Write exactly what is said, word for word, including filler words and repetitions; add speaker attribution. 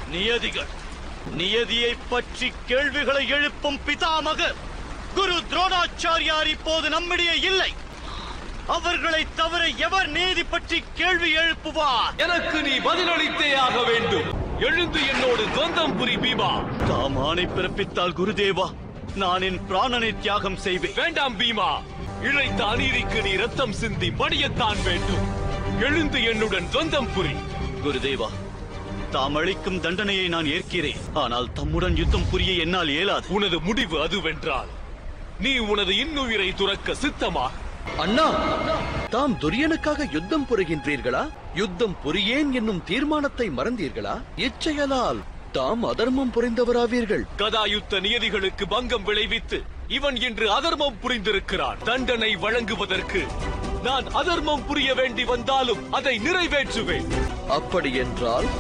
Speaker 1: நியதிகள் நியதியை பற்றி கேள்விகளை எழுப்பும் பிதாமகர் குரு துரோணாச்சாரியார் இப்போது நம்மிடையே இல்லை. அவர்களை தவிர எவர் நீதி பற்றி கேள்வி எழுப்புவார்?
Speaker 2: எனக்கு நீ பதிலளித்தே ஆக வேண்டும். எழுந்து என்னோடு துவந்தம் புரி பீமா.
Speaker 1: தாம் ஆணை பிறப்பித்தால் குருதேவா, நான் என் பிராணனை தியாகம் செய்வேன்.
Speaker 2: வேண்டாம் பீமா, இழைத்த அநீதிக்கு நீ ரத்தம் சிந்தி மடியத்தான் வேண்டும். எழுந்து என்னுடன் துவந்தம் புரி.
Speaker 1: குருதேவா, தாம் அளிக்கும் தண்டனையை நான் ஏற்கிறேன். ஆனால் தம்முடன் யுத்தம் புரிய என்னால் இயலாது.
Speaker 2: உனது முடிவு அதுவென்றால் நீ உனது இன்னுயிரை துறக்க சித்தமா?
Speaker 3: அண்ணா, தாம் துரியனுக்காக யுத்தம் புரிகின்றீர்களா? யுத்தம் புரியேன் என்னும் தீர்மானத்தை மறந்தீர்களா? இச்செயலால் தாம் அதர்மம் புரிந்தவராவீர்கள்.
Speaker 2: கதாயுத்த நியதிகளுக்கு பங்கம் விளைவித்து இவன் இன்று அதர்மம் புரிந்திருக்கிறான். தண்டனை வழங்குவதற்கு நான் அதர்மம் புரிய வேண்டி வந்தாலும் அதை நிறைவேற்றுவேன்.
Speaker 3: அப்படி என்றால்